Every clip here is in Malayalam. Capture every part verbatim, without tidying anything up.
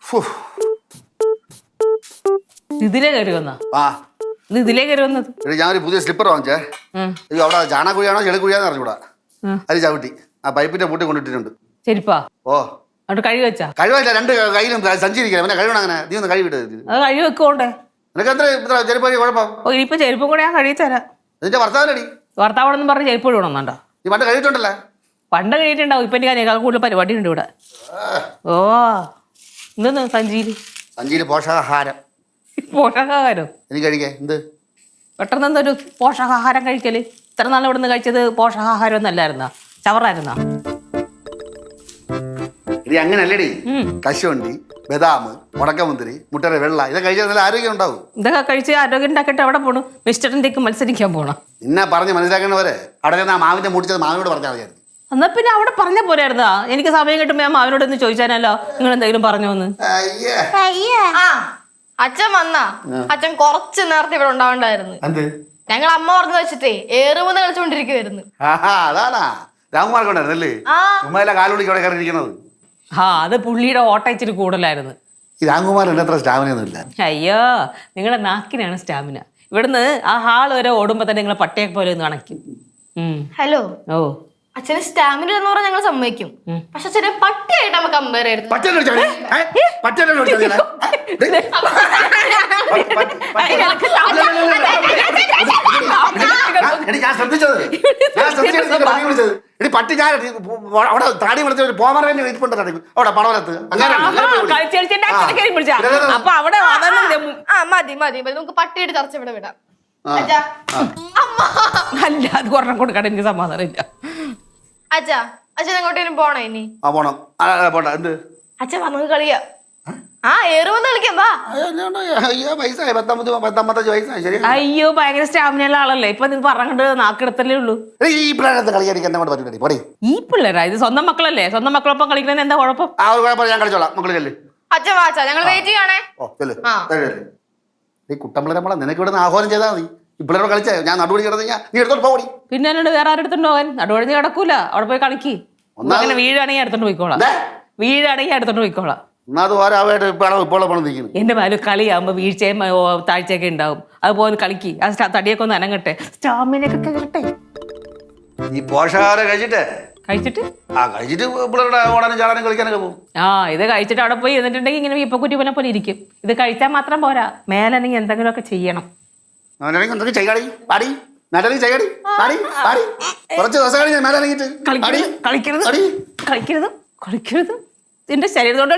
ഇതിലേ കയറി വന്നാ ആ ഇത് ഇതിലേ കയറി വന്നത് ഞാനൊരു പുതിയ സ്ലിപ്പർ വാങ്ങിച്ചേ. അയ്യോ അവിടെ ചാണകുഴിയാണോ ചെളിക്കുഴിയാന്ന് അറിഞ്ഞൂടാ. അത് ചവിട്ടി ആ പൈപ്പിന്റെ പൂട്ടി കൊണ്ടിട്ടിട്ടുണ്ട്. ചെരിപ്പാ ഓ അവിടെ കഴുകി വെച്ചാ? കഴിവില്ല, രണ്ട് കയ്യിലും സഞ്ചരിക്കണം. പിന്നെ കഴിവണം അങ്ങനെ. നീ ഒന്ന് കഴിവിട്ട്. അത് കഴുകി വെക്കോണ്ടേ? നിനക്ക് എത്ര ഇത്ര ചെരുപ്പ് കുഴപ്പം? ഓ ഇനിയിപ്പോ ചെരുപ്പും കൂടെ ഞാൻ കഴുകി തരാം. നിന്റെ ഭർത്താവിനടി ഭർത്താവോടൊന്നും പറഞ്ഞ് ചെരുപ്പ് ഇടണമെന്നുണ്ടോ? നീ പണ്ട് കഴിയിട്ടുണ്ടല്ലേ? പണ്ട് കഴിഞ്ഞിട്ടുണ്ടാവും. ഇപ്പൊ എനിക്ക് അതിനേക്കാൾ കൂടുതൽ പരിപാടി ഉണ്ട് ഇവിടെ. ഓ എന്തെന്ന് സഞ്ചിയില്? സഞ്ചിയില് പോഷകാഹാരം. പോഷകാഹാരം എനിക്ക് കഴിക്കേ എന്ത് പെട്ടെന്ന് എന്തൊരു പോഷകാഹാരം കഴിക്കല്? ഇത്ര നാൾ ഇവിടെ നിന്ന് കഴിച്ചത് പോഷകാഹാരം ഒന്നല്ലായിരുന്നാ, ചവറായിരുന്നാ? ഇത് അങ്ങനല്ലേടി. കശുവണ്ടി, ബദാം, മുടക്കമുന്തിരി, മുട്ടയുടെ വെള്ള ഇതൊക്കെ കഴിച്ചാൽ നല്ല ആരോഗ്യം ഉണ്ടാവും. ഇതൊക്കെ കഴിച്ച് ആരോഗ്യം ഉണ്ടാക്കിയിട്ട് അവിടെ പോണു മിസ്റ്ററിൻ്റെക്ക് മത്സരിക്കാൻ പോണം. നിന്നെ പറഞ്ഞ് മനസ്സിലാക്കേണ്ടവരെ അവിടെ നിന്ന് ആ മാവിന്റെ മുടിച്ചത് മാവിനോട് പറഞ്ഞാൽ മതിയായിരുന്നു. എന്നാ പിന്നെ അവിടെ പറഞ്ഞ പോരായിരുന്നാ? എനിക്ക് സമയം കിട്ടുമ്പോ ഞാൻ മാവിനോട് ഒന്ന് ചോദിച്ചാനല്ലോ നിങ്ങൾ എന്തെങ്കിലും പറഞ്ഞോന്ന്. അച്ഛൻ വന്നാ അച്ഛൻ കുറച്ച് നേരത്തെ ഇവിടെ ഉണ്ടാവണ്ടായിരുന്നു. ഞങ്ങൾ അമ്മ പറഞ്ഞു വെച്ചിട്ടേ ഏറുമെന്ന് കളിച്ചോണ്ടിരിക്കുവായിരുന്നു. അതാണാ രാംകുമാർ കൊണ്ടായിരുന്നല്ലേ ഉമ്മയിലെ കാലുടിക്ക് അവിടെ കയറിയിരിക്കുന്നത്. ആ അത് പുള്ളിയുടെ ഓട്ട ഇച്ചിരി കൂടുതലായിരുന്നു. ഈ രാംകുമാറിന്റെ അത്ര സ്റ്റാമിനൊന്നും ഇല്ല. അയ്യോ നിങ്ങളുടെ നാക്കിനാണ് സ്റ്റാമിന. ഇവിടുന്ന് ആ ഹാൾ വരെ ഓടുമ്പോ തന്നെ നിങ്ങളെ പട്ടിയെ പോലെ ഒന്ന് അണയ്ക്കും. ഹലോ ഓ അച്ഛന് സ്റ്റാമിന എന്ന് പറഞ്ഞാൽ ഞങ്ങൾ സമ്മതിക്കും. പക്ഷെ അച്ഛനെ പട്ടിയായിട്ട് നമുക്ക് കമ്പയർ ചെയ്യരുത്. ഞാൻ ശ്രദ്ധിച്ചത് പട്ടി ഞാൻ അവിടെ താടി വിളിച്ച ഒരു പോമറേനെ ഇരിപ്പുണ്ട് അവിടെ പടവലത്ത്. ആ മതി മതി മതി നമുക്ക് പട്ടിയുടെ ചർച്ച ഇവിടെ വിടാം. അല്ല അത് ഒരെണ്ണം കൊടുക്കാൻ എനിക്ക് സമാധാനം ഇല്ല. അച്ഛാ അച്ഛൻ എങ്ങോട്ടേലും പോണോ ഇനി? ആ പോണം. പോട്ടെ എന്ത് അച്ഛൻ വന്നത് കളിയാ. ആ ഏറുവന്ന് കളിക്കാം വാ. അയ്യോ വയസ്സായി പത്തൊമ്പത് പത്തൊമ്പത്തഞ്ച് വയസ്സായി. ശരി. അയ്യോ ഭയങ്കര സ്റ്റാമിനുള്ള ആളല്ലേ ഇപ്പൊ നിങ്ങൾ പറഞ്ഞിട്ട് നാക്കെടുത്തല്ലേ ഉള്ളൂ. ഈ പിള്ളേരത്ത് കളിക്കാൻ എന്നെ കൊണ്ട് പറ്റില്ല. പോടി. ഈ പിള്ളേരാ ഇത് സ്വന്തം മക്കളല്ലേ? സ്വന്തം മക്കളൊപ്പം കളിക്കുന്നതിന് എന്താ കുഴപ്പം? ആ ഒരു കുഴപ്പം ഞാൻ കളിച്ചോളാം. മക്കള് ചെല്ല്. അച്ഛൻ വാച്ചാ ഞങ്ങൾ വെയിറ്റ് ചെയ്യണേ. ഓ ചെല്ല്. ഈ കുട്ടമ്പിള്ളേരെ നമ്മളെ നിനക്ക് ഇവിടെ ആഹ്വാനം ചെയ്താൽ മതി. ഈ പിള്ളേരെ കളിച്ചാ ഞാൻ നടുവഴി കിടന്നു കഴിഞ്ഞാൽ നീ എടുത്തോട്ട് പോകടി. പിന്നെ എന്നോട് വേറെ ആരും എടുത്തോണ്ട് പോകാൻ? നടുവഴിഞ്ഞ് കിടക്കൂല. അവിടെ പോയി കളിക്ക്. അങ്ങനെ വീഴാണെങ്കിൽ എടുത്തോണ്ട് പോയിക്കോളാം. വീഴാണെങ്കിൽ എടുത്തോണ്ട് പോയിക്കോളാം. എന്റെ മേലും കളിയാകുമ്പോ വീഴ്ചയും താഴ്ചയൊക്കെ ഉണ്ടാവും. അതുപോലെ കളിക്ക്. ആ തടിയൊക്കെ ഒന്ന് അനങ്ങട്ടെ, സ്റ്റാമിനൊക്കെ കേറട്ടെ. ഈ പോഷകാഹാരം കഴിച്ചിട്ട് കഴിച്ചിട്ട് ആ കഴിച്ചിട്ട് പിള്ളേരുടെ ഓടാനും ചാടാനും കളിക്കാനൊക്കെ പോകും. ആ ഇത് കഴിച്ചിട്ട് അവിടെ പോയി ഇരുന്നിട്ടുണ്ടെങ്കിൽ ഇങ്ങനെ ഇപ്പൊ കുറ്റി പോലെ പോലെ ഇരിക്കും. ഇത് കഴിച്ചാൽ മാത്രം പോരാ, മേലെങ്കിൽ എന്തെങ്കിലുമൊക്കെ ചെയ്യണം. എന്തൊക്കെ ചെയ്യാടി പാടി നല്ലത് ചെയ്യാടി പാടി പാടി കുറച്ച് ദിവസം കഴിഞ്ഞ് മേലെ ഇറങ്ങിയിട്ട് കളിക്കരുത് കളിക്കരുത് കളിക്കരുത്. എന്റെ ശരീരത്തോട്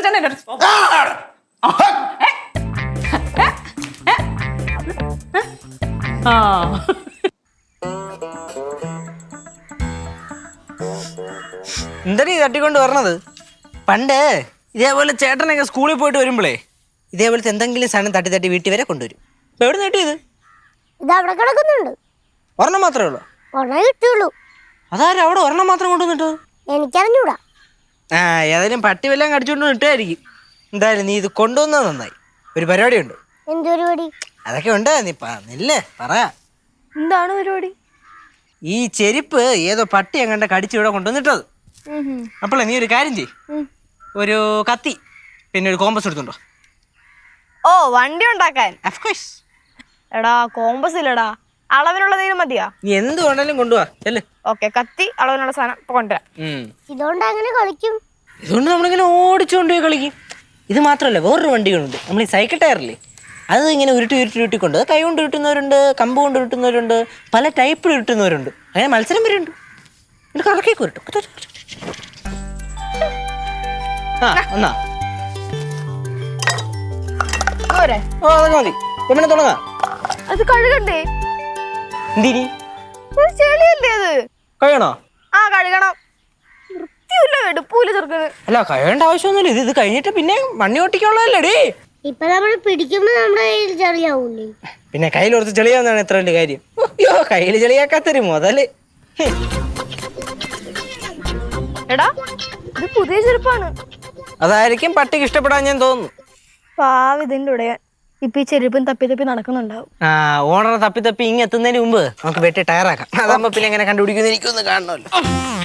എന്താ തട്ടിക്കൊണ്ട് വരണത്? പണ്ട് ഇതേപോലെ ചേട്ടനൊക്കെ സ്കൂളിൽ പോയിട്ട് വരുമ്പോഴേ ഇതേപോലത്തെ എന്തെങ്കിലും സാധനം തട്ടി തട്ടി വീട്ടിൽ വരെ കൊണ്ടുവരും. ഇപ്പൊ എവിടെ നീട്ടിയത്? ഇതവിടെ കിടക്കുന്നുണ്ട്. ഒരെണ്ണം മാത്രമേ ഉള്ളൂ? ഒരെണ്ണം കിട്ടുള്ളൂ. അതാരും അവിടെ ഒരെണ്ണം മാത്രം കൊണ്ടുവന്നിട്ട്? എനിക്കറിഞ്ഞൂടാ. ആ ഏതായാലും പട്ടി വല്ലതും കടിച്ചോണ്ട് ഇട്ടായിരിക്കും. എന്തായാലും നീ ഇത് കൊണ്ടുവന്നത് നന്നായി. ഒരു പരിപാടി ഉണ്ട്. എന്ത് പരിപാടി? അതൊക്കെ ഉണ്ട്, നീ പറഞ്ഞില്ലേ പറയാ. എന്താണ് പരിപാടി? ഈ ചെരുപ്പ് ഏതോ പട്ടി എങ്ങാണ്ട് കടിച്ച് ഇവിടെ കൊണ്ടുവന്നിട്ടത്. അപ്പോളേ നീ ഒരു കാര്യം ചെയ്, ഒരു കത്തി പിന്നെ ഒരു കോമ്പസ് എടുത്തുണ്ടോ? ഓ വണ്ടി ഉണ്ടാക്കാൻ? ഓഫ്കോഴ്സ്. എടാ കോമ്പസ് ഇല്ലടാ, അളവിനുള്ള തീരും മതിയാ. നീ എന്ത് കൊണ്ടാലും കൊണ്ടുപോവാ. ഓക്കെ കത്തി അളവിനുള്ള സാധനം കൊണ്ടുവരാം. ഇതുകൊണ്ട് അങ്ങനെ കളിക്കും? ഇതുകൊണ്ട് നമ്മളിങ്ങനെ ഓടിച്ചുകൊണ്ട് പോയി കളിക്കും. ഇത് മാത്രമല്ല വേറൊരു വണ്ടികളുണ്ട്. നമ്മൾ ഈ സൈക്കിൾ ടയറില്ലേ അത് ഇങ്ങനെ ഉരുട്ടി ഉരുട്ടി ഉരുട്ടിക്കൊണ്ട് കൈ കൊണ്ട് ഉരുട്ടുന്നവരുണ്ട്, കമ്പ് കൊണ്ട് ഉരുട്ടുന്നവരുണ്ട്, പല ടൈപ്പിൽ ഉരുട്ടുന്നവരുണ്ട്. അങ്ങനെ മത്സരം വരുന്നുണ്ട്. എന്നിട്ട് കറക്കേക്ക് ഉരുട്ടും. ആ എന്നാ ഓ അതൊക്കെ മതി. പിന്നെ തുടങ്ങാം. അത് കഴുകണ്ടേ? എന്തിനി ചെളിയല്ലേ അത്? കഴിയണോ? ആ കഴുകണം. വൃത്തിയില്ല വെടുപ്പൂല ചെറുക്കന്. അല്ല കഴിയേണ്ട ആവശ്യമൊന്നുമില്ല. ഇത് ഇത് കഴിഞ്ഞിട്ട് പിന്നെ മണ്ണി ഓട്ടിക്കുള്ളതല്ലേടേ. ഇപ്പൊ നമ്മൾ പിടിക്കുമ്പോ നമ്മുടെ കയ്യിൽ ചെളിയാവൂലേ? പിന്നെ കയ്യിൽ കുറച്ച് ചെളിയാവുന്നതാണ് എത്ര വലിയ കാര്യം. അയ്യോ കയ്യിൽ ചെളിയാക്കാത്തൊരു മുതല്. എടാ ഇത് പുതിയ ചെരുപ്പാണ്. അതായിരിക്കും പട്ടിക്ക് ഇഷ്ടപ്പെടാൻ ഞാൻ തോന്നുന്നു. പാവം ഇതിന്റെ ഉടയാൻ ഇപ്പൊ ഈ ചെരുപ്പും തപ്പി തപ്പി നടക്കുന്നുണ്ടാവും. ആ ഓണറെ തപ്പി തപ്പി ഇങ്ങ് എത്തുന്നതിന് മുമ്പ് നമുക്ക് വെട്ടി ടയറാക്കാം. അതാകുമ്പോ പിന്നെ എങ്ങനെ കണ്ടുപിടിക്കുന്ന എനിക്കൊന്ന് കാണണമല്ലോ.